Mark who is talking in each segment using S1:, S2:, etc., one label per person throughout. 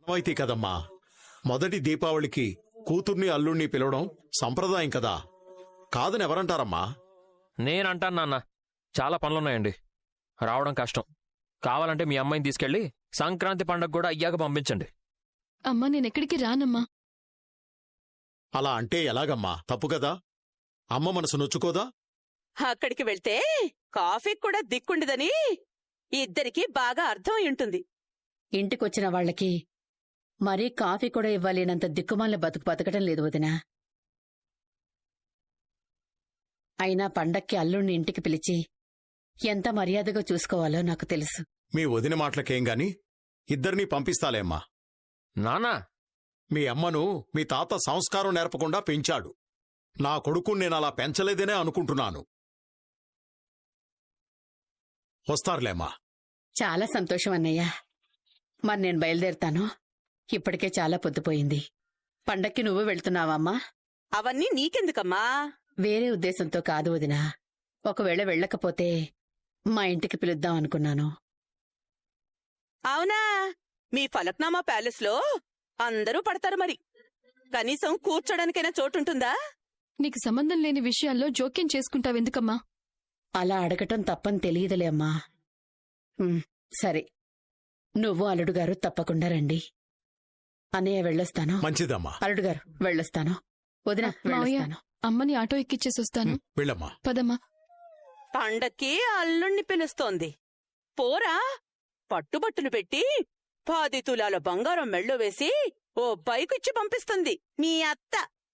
S1: అయితే కదమ్మా, మొదటి దీపావళికి కూతుర్ని అల్లుణ్ణి పిలవడం సంప్రదాయం కదా. కాదని ఎవరంటారమ్మా?
S2: నేనంటాను నాన్న, చాలా పనులున్నాయండి, రావడం కష్టం. కావాలంటే మీ అమ్మాయిని తీసుకెళ్లి సంక్రాంతి పండగ కూడా అయ్యాక పంపించండి.
S3: అమ్మా నేనెక్కడికి రానమ్మా.
S1: అలా అంటే ఎలాగమ్మా? తప్పు కదా. అమ్మ మనసు నొచ్చుకోదా?
S4: అక్కడికి వెళ్తే కాఫీకి కూడా దిక్కుండదని ఇద్దరికీ బాగా అర్థం ఉంటుంది.
S5: ఇంటికొచ్చిన వాళ్లకి మరీ కాఫీ కూడా ఇవ్వలేనంత దిక్కుమాల బతకటం లేదు వదినా. అయినా పండక్కి అల్లుణ్ణి ఇంటికి పిలిచి ఎంత మర్యాదగా చూసుకోవాలో నాకు తెలుసు.
S1: మీ వదిన మాటలకేం గాని ఇద్దరినీ పంపిస్తాలేమ్మా.
S2: నానా,
S1: మీ అమ్మను మీ తాత సంస్కారం నేర్పకుండా పెంచాడు. నా కొడుకుని నేనలా పెంచలేదనే అనుకుంటున్నాను. వస్తారులేమ్మా.
S5: చాలా సంతోషం అన్నయ్య. మరి నేను బయలుదేరుతాను. ఇప్పటికే చాలా పొద్దుపోయింది. పండక్కి నువ్వు వెళ్తున్నావమ్మా?
S4: అవన్నీ నీకెందుకమ్మా?
S5: వేరే ఉద్దేశంతో కాదు వదినా. ఒకవేళ వెళ్ళకపోతే మా ఇంటికి పిలుద్దాం అనుకున్నాను.
S4: అవునా? మీ ఫలక్నామా ప్యాలెస్ లో అందరూ పడతారు మరి. కనీసం కూర్చోడానికైనా చోటుంటుందా?
S3: నీకు సంబంధం లేని విషయాల్లో జోక్యం చేసుకుంటావెందుకమ్మా?
S5: అలా అడగటం తప్పని తెలియదులే అమ్మా. సరే, నువ్వు అల్లుడుగారు తప్పకుండా రండి. అన్నయ్య వెళ్ళొస్తాను.
S1: మంచిదమ్మా.
S5: అల్లుడుగారు వెళ్ళొస్తాను. వదిన వెళ్ళొస్తాను.
S3: అమ్మని ఆటో ఎక్కిచ్చేసొస్తాను.
S1: వెళ్ళమ్మా.
S3: పదమ్మా.
S4: పండక్కి అల్లుణ్ణి పిలుస్తోంది. పోరా, పట్టుబట్టులు పెట్టి 10 తులాల బంగారం మెళ్ళో వేసి ఓ బైకిచ్చి పంపిస్తుంది మీ అత్త.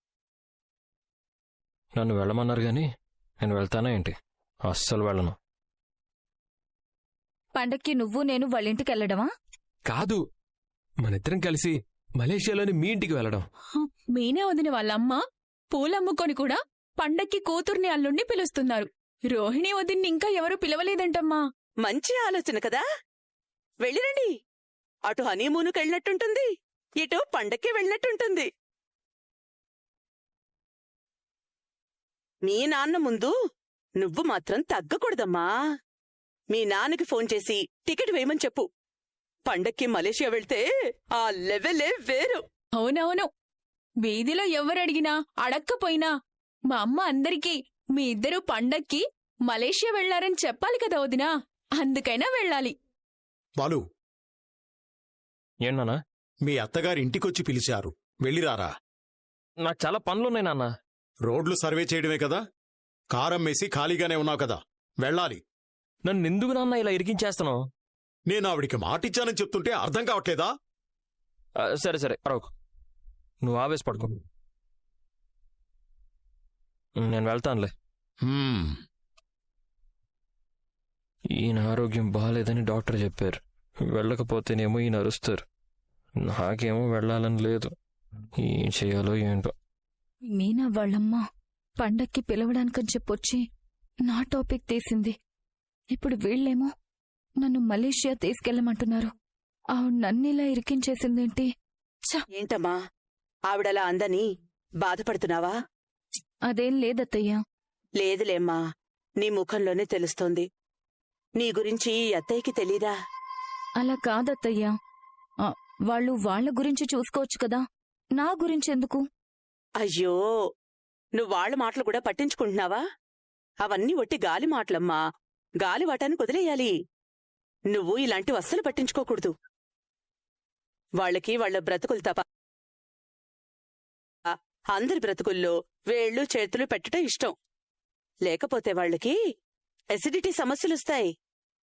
S2: నన్ను వెళ్ళమన్నారు గాని నేను వెళ్తానా ఏంటి? అస్సలు వెళ్ళను.
S6: పండక్కి నువ్వు నేను వాళ్ళింటికెళ్లడమా?
S7: కాదు, మనిద్దరం కలిసి మలేషియాలోని మీ ఇంటికి వెళ్ళడం.
S6: మీనే వదిన వాళ్ళమ్మ పూలమ్ముకొని కూడా పండక్కి కూతుర్ని అల్లుణ్ణి పిలుస్తున్నారు. రోహిణి వదిన్ని ఇంకా ఎవరూ పిలవలేదంటమ్మా.
S4: మంచి ఆలోచన కదా. వెళ్ళిరండి. అటు హనీమూనుకెళ్ళినట్టుంటుంది, ఇటు పండక్కి వెళ్ళినట్టుంటుంది. మీ నాన్న ముందు నువ్వు మాత్రం తగ్గకూడదమ్మా. మీ నాన్నకి ఫోన్ చేసి టికెట్ వేయమని చెప్పు. పండక్కి మలేషియా వెళ్తే ఆ లెవెలే వేరు.
S6: అవునవును, వీధిలో ఎవరడిగినా అడక్కపోయినా మా అమ్మ అందరికీ మీ ఇద్దరూ పండక్కి మలేషియా వెళ్లారని చెప్పాలి కదా వదినా. అందుకైనా వెళ్ళాలి.
S1: బాలు,
S2: ఏంటన్నా?
S1: మీ అత్తగారి ఇంటికొచ్చి పిలిచారు, వెళ్ళిరారా.
S2: నాకు చాలా పనులున్నాయి నాన్న.
S1: రోడ్లు సర్వే చేయడమే కదా. కారమ్మేసి ఖాళీగానే ఉన్నావు కదా, వెళ్ళాలి.
S2: నన్ను ఎందుకు నాన్న ఇలా ఇరికించేస్తాను?
S1: నేను ఆవిడికి మాటిచ్చానని చెప్తుంటే అర్థం కావట్లేదా?
S2: సరే సరే, పరవకు, నువ్వు ఆవేశపడుకో. నేను వెళ్తానులే. ఈయన ఆరోగ్యం బాగాలేదని డాక్టర్ చెప్పారు. వెళ్ళకపోతేనేమో ఈయన అరుస్తారు. నాకేమో వెళ్ళాలని లేదు. ఏం చేయాలో ఏంటో.
S6: మీనా వాళ్ళమ్మ పండక్కి పిలవడానికని చెప్పొచ్చి నా టాపిక్ తీసింది. ఇప్పుడు వీళ్ళేమో నన్ను మలేషియా తీసుకెళ్లమంటున్నారు. ఆవిడ నన్నిలా ఇరికించేసిందేంటి?
S4: ఏంటమ్మా ఆవిడలా అందని బాధపడుతున్నావా?
S6: అదేం లేదత్తయ్యా.
S4: లేదులేమ్మా, నీ ముఖంలోనే తెలుస్తోంది. నీ గురించి అత్తయ్యకి తెలీదా?
S6: అలా కాదత్తయ్యా, వాళ్ళు వాళ్ల గురించి చూసుకోవచ్చు కదా, నా గురించెందుకు?
S4: అయ్యో, నువ్వు వాళ్ళ మాటలు కూడా పట్టించుకుంటున్నావా? అవన్నీ ఒట్టి గాలి మాటలమ్మా. గాలివాటానికి వదిలేయాలి. నువ్వు ఇలాంటి అస్సలు పట్టించుకోకూడదు. వాళ్ళకి వాళ్ల బ్రతుకులు తప్ప అందరి బ్రతుకుల్లో వేళ్లు చేతులు పెట్టడం ఇష్టం. లేకపోతే వాళ్ళకి ఎసిడిటీ సమస్యలుస్తాయి.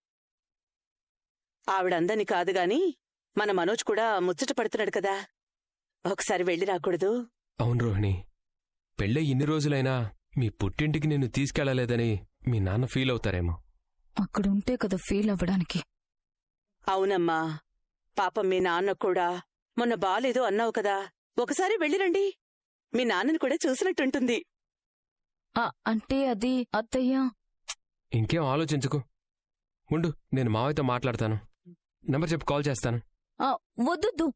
S4: ఆవిడందని కాదుగాని మన మనోజ్ కూడా ముచ్చట పడుతున్నాడు కదా, ఒకసారి వెళ్ళి రాకూడదు?
S7: అవును రోహిణి, పెళ్ళై ఇన్ని రోజులైనా మీ పుట్టింటికి నిన్ను తీసుకెళ్లలేదని మీ నాన్న ఫీల్ అవుతారేమో.
S6: అక్కడుంటే కదా ఫీల్ అవ్వడానికి.
S4: అవునమ్మా, పాపం మీ నాన్న కూడా మొన్న బాలేదు అన్నావు కదా, ఒకసారి వెళ్ళిరండి. మీ నాన్నని కూడా చూసినట్టుంటుంది.
S6: అంటే అది అత్తయ్యా.
S7: ఇంకేం ఆలోచించుకో. ఉండు, నేను మావయ్యతో మాట్లాడతాను. నెంబర్ చెప్పి కాల్ చేస్తాను.
S6: వద్దు,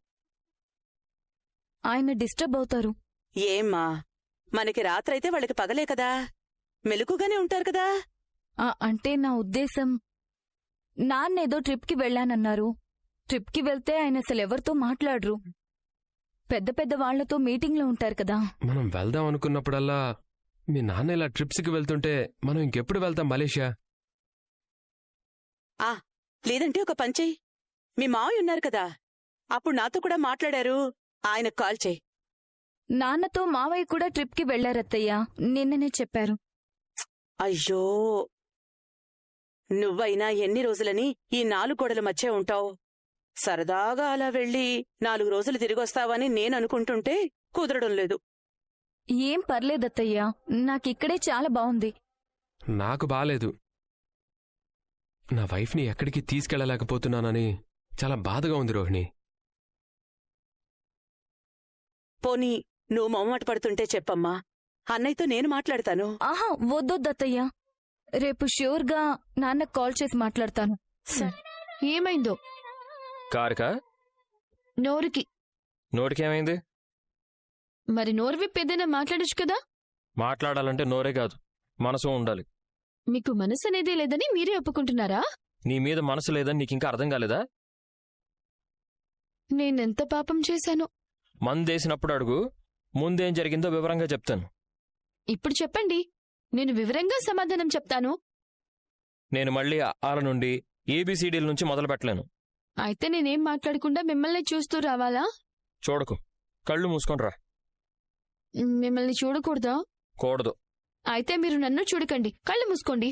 S6: ఆయన డిస్టర్బ్ అవుతారు.
S4: ఏమ్మా, మనకి రాత్రైతే వాళ్ళకి పగలే కదా, మెలకుగానే ఉంటారు కదా.
S6: అంటే నా ఉద్దేశం, నాన్నేదో ట్రిప్కి వెళ్ళానన్నారు,
S8: ట్రిప్కి వెళ్తే ఆయన అసలు ఎవరితో మాట్లాడరు. పెద్ద పెద్ద వాళ్లతో మీటింగ్లో ఉంటారు కదా.
S7: మనం వెళ్దాం అనుకున్నప్పుడల్లా మీ నాన్న ఇలా ట్రిప్స్కి వెళ్తుంటే మనం ఇంకెప్పుడు వెళ్తాం మలేషియా?
S4: లేదంటే ఒక పంచేయి, మీ మావయ్య ఉన్నారు కదా, అప్పుడు నాతో కూడా మాట్లాడారు, ఆయనకు కాల్ చేయి.
S8: నాన్నతో మావయ్య కూడా ట్రిప్కి వెళ్లారత్తయ్యా, నిన్ననే చెప్పారు.
S4: అయ్యో, నువ్వైనా ఎన్ని రోజులని ఈ 4 గోడల మధ్య ఉంటావు? సరదాగా అలా వెళ్ళి 4 రోజులు తిరిగొస్తావని నేననుకుంటుంటే కుదరడం లేదు.
S8: ఏం పర్లేదత్తయ్యా, నాకిక్కడే చాలా బావుంది.
S7: నాకు బాలేదు. నా వైఫ్ని ఎక్కడికి తీసుకెళ్లలేకపోతున్నానని చాలా బాధగా ఉంది రోహిణి.
S4: పోనీ నువ్వు మొహమాట పడుతుంటే చెప్పమ్మా, అన్నయ్యతో నేను మాట్లాడతాను.
S8: ఆహా, వద్దొద్దత్తయ్యా, రేపు ష్యూర్గా నాన్నకు కాల్ చేసి మాట్లాడతాను.
S3: ఏమైందో?
S2: కారుకా?
S3: నోరుకి.
S2: నోటికేమైంది?
S3: మరి నోరు విప్పి ఏదైనా మాట్లాడొచ్చు కదా.
S2: మాట్లాడాలంటే నోరే కాదు, మనసు ఉండాలి.
S3: మీకు మనసు అనేది లేదని మీరే ఒప్పుకుంటున్నారా?
S2: నీ మీద మనసు లేదని నీకింకా అర్థం కాలేదా?
S3: నేనెంత పాపం చేశాను.
S2: మందేసినప్పుడు అడుగు, ముందేం జరిగిందో వివరంగా చెప్తాను.
S3: ఇప్పుడు చెప్పండి, నేను వివరంగా సమాధానం చెప్తాను.
S2: నేను మళ్ళీ ఆల నుండి ఏబీసీడీల నుంచి మొదలు పెట్టలేను.
S3: అయితే నేనేం మాట్లాడకుండా మిమ్మల్ని చూస్తూ రావాలా?
S2: చూడకు, కళ్ళు మూసుకొనిరా.
S3: మిమ్మల్ని చూడకూడదా?
S2: కూడదు.
S3: అయితే మీరు నన్ను చూడకండి, కళ్ళు మూసుకోండి.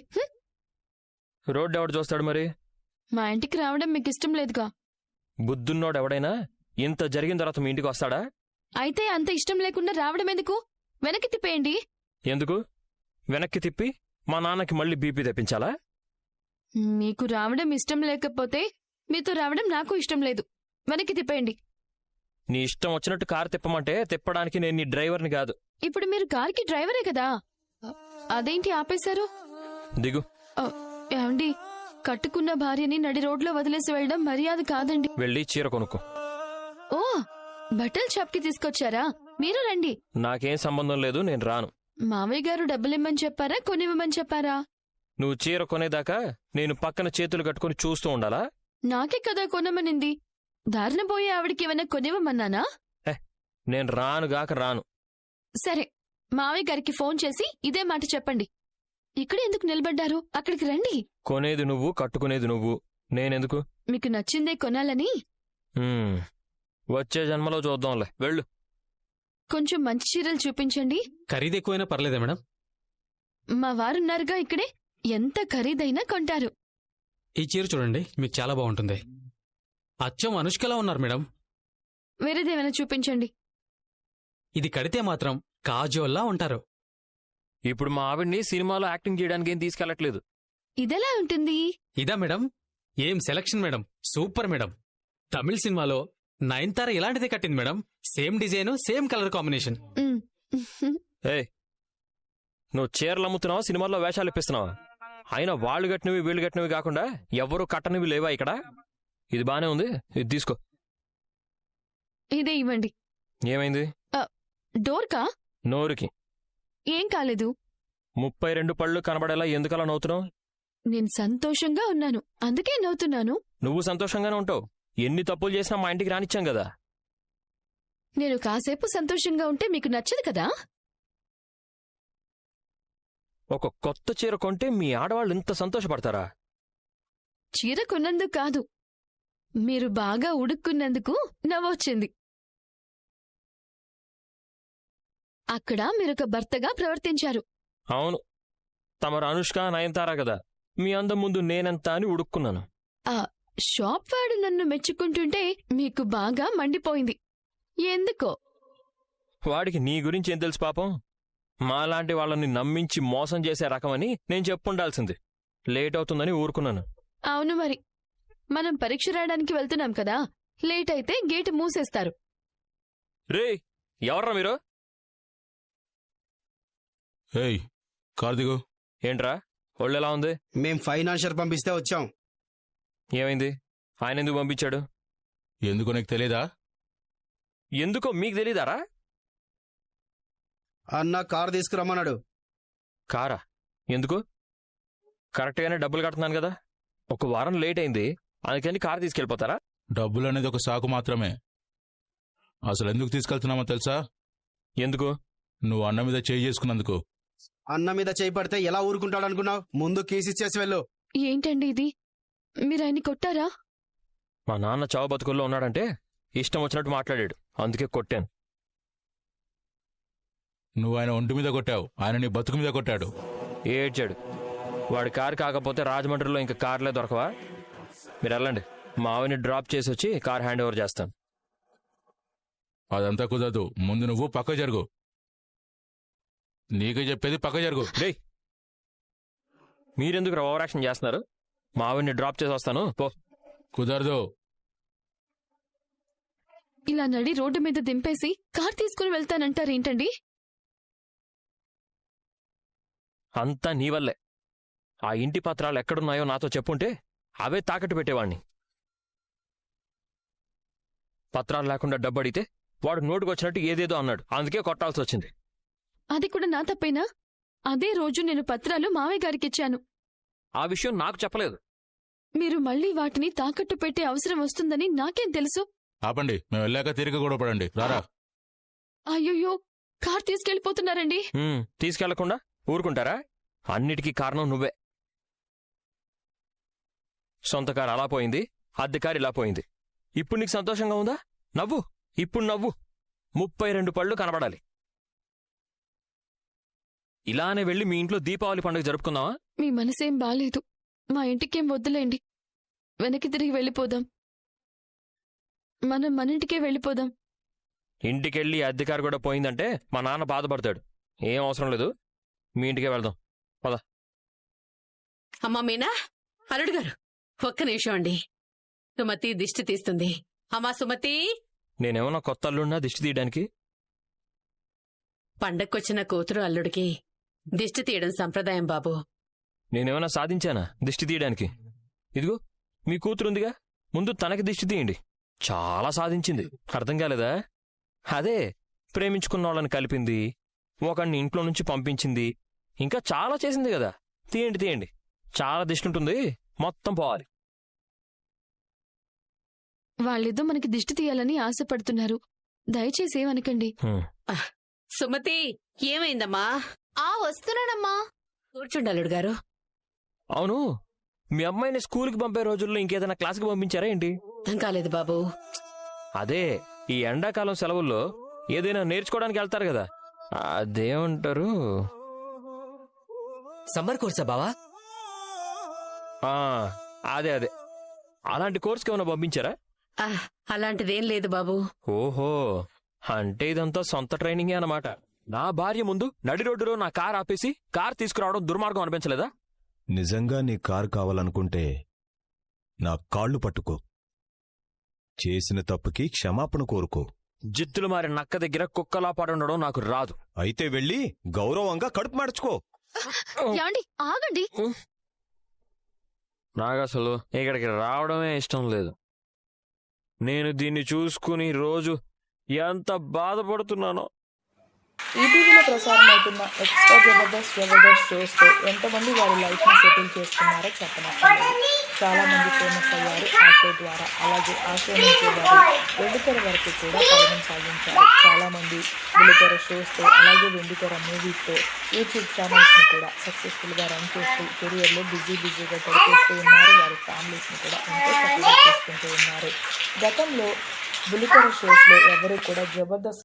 S2: రోడ్డు ఎవడు చూస్తాడు మరి?
S3: మా ఇంటికి రావడం మీకు ఇష్టం లేదుగా.
S2: బుద్ధున్నోడెవడైనా ఇంత జరిగిన తర్వాత మీ ఇంటికి వస్తాడా?
S3: అయితే అంత ఇష్టం లేకుండా రావడం ఎందుకు? వెనక్కి తిప్పేయండి.
S2: ఎందుకు? వెనక్కి తిప్పి మా నాన్నకి మళ్ళీ బీపీ తెప్పించాలా?
S3: మీకు రావడం ఇష్టం లేకపోతే మీతో రావడం నాకు ఇష్టం లేదు. వెనక్కి తిప్పేయండి.
S2: నీ ఇష్టం వచ్చినట్టు కారు తిప్పమంటే తిప్పడానికి నేను నీ డ్రైవర్ని కాదు.
S3: ఇప్పుడు మీరు కార్కి డ్రైవరే కదా, అదేంటి ఆపేశారు?
S2: దిగు.
S3: ఏమండి, కట్టుకున్న భార్యని నడి రోడ్లో వదిలేసి వెళ్ళడం మర్యాద కాదండి.
S2: వెళ్ళి చీర కొనుక్కో.
S3: ఓ, బట్టల షాప్కి తీసుకొచ్చారా? మీరు రండి.
S2: నాకేం సంబంధం లేదు, నేను రాను.
S3: మామయ్య గారు డబ్బులిమ్మని చెప్పారా, కొనివ్వమని చెప్పారా?
S2: నువ్వు చీర కొనేదాకా నేను పక్కన చేతులు కట్టుకుని చూస్తూ ఉండాలా?
S3: నాకే కదా కొనమనింది. దారిన పోయే ఆవిడికి ఏమైనా కొనివ్వమన్నానా?
S2: నేను రానుగాక రాను.
S3: సరే, మావయ్య గారికి ఫోన్ చేసి ఇదే మాట చెప్పండి. ఇక్కడ ఎందుకు నిలబడ్డారు? అక్కడికి రండి.
S2: కొనేది నువ్వు, కట్టుకునేది నువ్వు, నేనెందుకు?
S3: మీకు నచ్చిందే కొనాలని.
S2: వచ్చే జన్మలో చూద్దాంలే, వెళ్ళు.
S3: కొంచెం మంచి చీరలు చూపించండి.
S9: ఖరీదు ఎక్కువైనా పర్లేదా మేడం?
S3: మా వారున్నారుగా ఇక్కడే, ఎంత ఖరీదైనా కొంటారు.
S9: ఈ చీర చూడండి, మీకు చాలా బాగుంటుంది. అచ్చం అనుష్కలా ఉన్నారు మేడం.
S3: వేరేదేమైనా చూపించండి.
S9: ఇది కడితే మాత్రం కాజోల్లా ఉంటారు.
S2: ఇప్పుడు మా ఆవిడ్ని సినిమాలో యాక్టింగ్ చేయడానికి ఏం తీసుకెళ్లట్లేదు.
S3: ఇదెలా ఉంటుంది?
S9: ఇదా మేడం? ఏం సెలక్షన్ మేడం, సూపర్ మేడం. తమిళ సినిమాలో నయన్తార ఇలాంటిదే కట్టింది madam. Same design, same colour combination.
S2: ఏయ్, నువ్వు చీరలు అమ్ముతున్నావా, సినిమాల్లో వేషాలు ఇప్పిస్తున్నావా? అయినా వాళ్ళు కట్టినవి వీళ్ళు కట్టినవి కాకుండా ఎవరూ కట్టనివి లేవా ఇక్కడ? ఇది బానే ఉంది, ఇది తీసుకో.
S3: ఇదే ఇవ్వండి.
S2: ఏమైంది?
S3: డోర్కా?
S2: నోరుకి.
S3: ఏం కాలేదు.
S2: 32 పళ్ళు కనబడేలా ఎందుకలా నవ్వుతున్నావు?
S3: నేను సంతోషంగా ఉన్నాను, అందుకే నవ్వుతున్నాను.
S2: నువ్వు సంతోషంగానే ఉంటావు. ఎన్ని తప్పులు చేసినా మా ఇంటికి రానిచ్చాం కదా.
S3: నేను కాసేపు సంతోషంగా ఉంటే మీకు నచ్చదు కదా.
S2: ఒక కొత్త చీర కొంటే మీ ఆడవాళ్ళు ఇంత సంతోషపడతారా?
S3: చీర కొన్నందుకు కాదు, మీరు బాగా ఉడుక్కున్నందుకు నవ్వొచ్చింది. అక్కడ మీరొక భర్తగా ప్రవర్తించారు.
S2: అవును, తమరు అనుష్క, నయనతార కదా. మీ అందం ముందు నేనెంత అని ఉడుక్కున్నాను.
S3: ఆ షాప్ వాడు నన్ను మెచ్చుకుంటుంటే మీకు బాగా మండిపోయింది. ఎందుకో?
S2: వాడికి నీ గురించి ఏం తెలుసు పాపం? మాలాంటి వాళ్ళని నమ్మించి మోసం చేసే రకమని నేను చెప్పుండాల్సింది. లేట్ అవుతుందని ఊరుకున్నాను.
S3: అవును మరి, మనం పరీక్ష రాయడానికి వెళ్తున్నాం కదా, లేట్ అయితే గేటు మూసేస్తారు.
S2: రే, ఎవర్రా మీరు?
S10: ఏయ్, కార్దిగు.
S2: ఏంట్రా ఒళ్ళెలా ఉంది?
S11: మేం ఫైనాన్షియర్ పంపిస్తే వచ్చాం.
S2: ఏమైంది? ఆయన ఎందుకు పంపించాడు?
S10: ఎందుకో నీకు తెలీదా?
S2: ఎందుకో మీకు తెలీదారా?
S11: అన్న కారు తీసుకురమ్మన్నాడు.
S2: కారా? ఎందుకు? కరెక్ట్గానే డబ్బులు కడుతున్నాను కదా. ఒక వారం లేట్ అయింది, అందుకని కారు తీసుకెళ్ళిపోతారా?
S10: డబ్బులు అనేది ఒక సాకు మాత్రమే. అసలు ఎందుకు తీసుకెళ్తున్నామో తెలుసా?
S2: ఎందుకు?
S10: నువ్వు అన్న మీద చేయి చేసుకున్నందుకు.
S11: అన్న మీద చేయి పడితే ఎలా ఊరుకుంటాడు అనుకున్నావు? ముందు కేసు ఇచ్చేసి వెళ్ళు.
S3: ఏంటండి ఇది? మీరు ఆయన్ని కొట్టారా?
S2: మా నాన్న చావు బతుకుల్లో ఉన్నాడంటే ఇష్టం వచ్చినట్టు మాట్లాడాడు, అందుకే కొట్టాను.
S10: నువ్వు ఆయన ఒంటి మీద కొట్టావు, ఆయన నీ బతుకు మీద కొట్టాడు.
S2: ఏడ్చాడు. వాడి కారు కాకపోతే రాజమండ్రిలో ఇంకా కార్లే దొరకవా? మీరు వెళ్ళండి, మా ఆవిని డ్రాప్ చేసి వచ్చి కార్ హ్యాండ్ ఓవర్ చేస్తాను.
S10: అదంతా కుదరదు. ముందు నువ్వు పక్క జరుగు. నీకే చెప్పేది పక్క జరుగు.
S2: రే, మీరెందుకు ఓవర్ యాక్షన్ చేస్తున్నారు? మా ఆవిని డ్రాప్ చేసి వస్తాను, పో.
S10: కుదరదు.
S3: ఇలా నడి రోడ్డు మీద దింపేసి కార్ తీసుకుని వెళ్తానంటారేంటండి?
S2: అంతా నీ వల్లే. ఆ ఇంటి పత్రాలు ఎక్కడున్నాయో నాతో చెప్పుంటే అవే తాకట్టు పెట్టేవాణ్ణి. పత్రాలు లేకుండా డబ్బు అడిగితే వాడు నోటుకొచ్చినట్టు ఏదేదో అన్నాడు, అందుకే కొట్టాల్సి వచ్చింది.
S3: అది కూడా నా తప్పేనా? అదే రోజు నేను పత్రాలు మావయ్య గారికిచ్చాను.
S2: ఆ విషయం నాకు చెప్పలేదు.
S3: మీరు మళ్ళీ వాటిని తాకట్టు పెట్టే అవసరం వస్తుందని నాకేం తెలుసు?
S10: ఆపండి, మేము వెళ్ళాక తిరిగి కూడా పడండి. రారా.
S3: అయ్యయ్యో, కార్ తీసుకెళ్లిపోతున్నారండి.
S2: తీసుకెళ్లకుండా ఊరుకుంటారా? అన్నిటికీ కారణం నువ్వే. సొంత కారు అలా పోయింది, అద్దె కారు ఇలా పోయింది. ఇప్పుడు నీకు సంతోషంగా ఉందా? నవ్వు, ఇప్పుడు నవ్వు. 32 పళ్ళు కనబడాలి. ఇలానే వెళ్ళి మీ ఇంట్లో దీపావళి పండుగ జరుపుకుందామా?
S3: మీ మనసేం బాలేదు. మా ఇంటికేం వద్దులేండి, వెనక్కి తిరిగి వెళ్ళిపోదాం. మనం మన ఇంటికే వెళ్ళిపోదాం.
S2: ఇంటికెళ్ళి అద్దె కారు కూడా పోయిందంటే మా నాన్న బాధపడతాడు. ఏం అవసరం లేదు, మీ ఇంటికే వెళ్దాం, పద.
S5: అమ్మా మీనా, అల్లుడు గారు ఒక్క నిమిషం అండి. సుమతి దిష్టి తీస్తుంది. అమ్మా సుమతి.
S2: నేనేమన్నా కొత్త అల్లుడినా దిష్టి తీయడానికి?
S5: పండక్కొచ్చిన కూతురు అల్లుడికి దిష్టి తీయడం సంప్రదాయం బాబు.
S2: నేనేమన్నా సాధించానా దిష్టి తీయడానికి? ఇదిగో మీ కూతురుందిగా, ముందు తనకి దిష్టి తీయండి. చాలా సాధించింది, అర్థం కాలేదా? అదే ప్రేమించుకున్న వాళ్ళని కలిపింది, ఒకడిని ఇంట్లో నుంచి పంపించింది, ఇంకా చాలా చేసింది కదా. తీయండి తీయండి, చాలా దిష్టి ఉంటుంది, మొత్తం పోవాలి.
S3: వాళ్ళేదో మనకి దిష్టి తీయాలని ఆశపడుతున్నారు, దయచేసి ఏమనకండి.
S5: సుమతి, ఏమైందమ్మా?
S3: వస్తున్నానమ్మా.
S5: కూర్చుండి అల్లుడు గారు.
S2: అవును, మీ అమ్మాయిని స్కూల్కి పంపే రోజుల్లో ఇంకేదైనా క్లాస్కి పంపించారా ఏంటి?
S5: అర్థం కాలేదు బాబు.
S2: అదే ఈ ఎండాకాలం సెలవుల్లో ఏదైనా నేర్చుకోవడానికి వెళ్తారు కదా, అదేమంటారు?
S12: సమ్మర్ కోర్సా బావా?
S2: అదే అదే, అలాంటి కోర్సుకి ఏమైనా పంపించారా?
S5: అలాంటిదేం లేదు బాబు.
S2: ఓహో, అంటే ఇదంతా సొంత ట్రైనింగే అన్నమాట. నా భార్య ముందు నడి రోడ్డులో నా కార్ ఆపేసి కార్ తీసుకురావడం దుర్మార్గం అనిపించలేదా?
S13: నిజంగా నీ కారు కావాలనుకుంటే నా కాళ్ళు పట్టుకో, చేసిన తప్పుకి క్షమాపణ కోరుకో.
S2: జిత్తులు మారి నక్క దగ్గర కుక్కలా పడుండడం నాకు రాదు.
S13: అయితే వెళ్ళి గౌరవంగా కడుపు మార్చుకో.
S3: యాండి ఆగండి.
S2: నాకసలు ఇక్కడికి రావడమే ఇష్టం లేదు. నేను దీన్ని చూసుకుని రోజు ఎంత బాధపడుతున్నానో.
S14: ఈటీవీలో ప్రసారమవుతున్న ఎక్స్ట్రా జబర్దస్త్ షోస్తో ఎంతమంది వారి లైఫ్ని సెటిల్ చేస్తున్నారో చెప్పనక్కర్లేదు. చాలా మంది ఫేమస్ అయ్యారు ఆ షో ద్వారా. అలాగే ఆ షో నుంచి వారు వెండితెర వరకు కూడా పయనం సాగించారు. చాలా మంది బుల్లితెర షోస్తో అలాగే వెండితెర మూవీస్తో యూట్యూబ్ ఛానల్స్ని కూడా సక్సెస్ఫుల్గా రన్ చేస్తూ కెరియర్లో బిజీగా గడిపేస్తూ ఉన్నారు. వారి ఫ్యామిలీస్ని కూడా ఎంతో చక్కగా చేసుకుంటూ ఉన్నారు. గతంలో బుల్లితెర షోస్లో ఎవరు కూడా జబర్దస్త్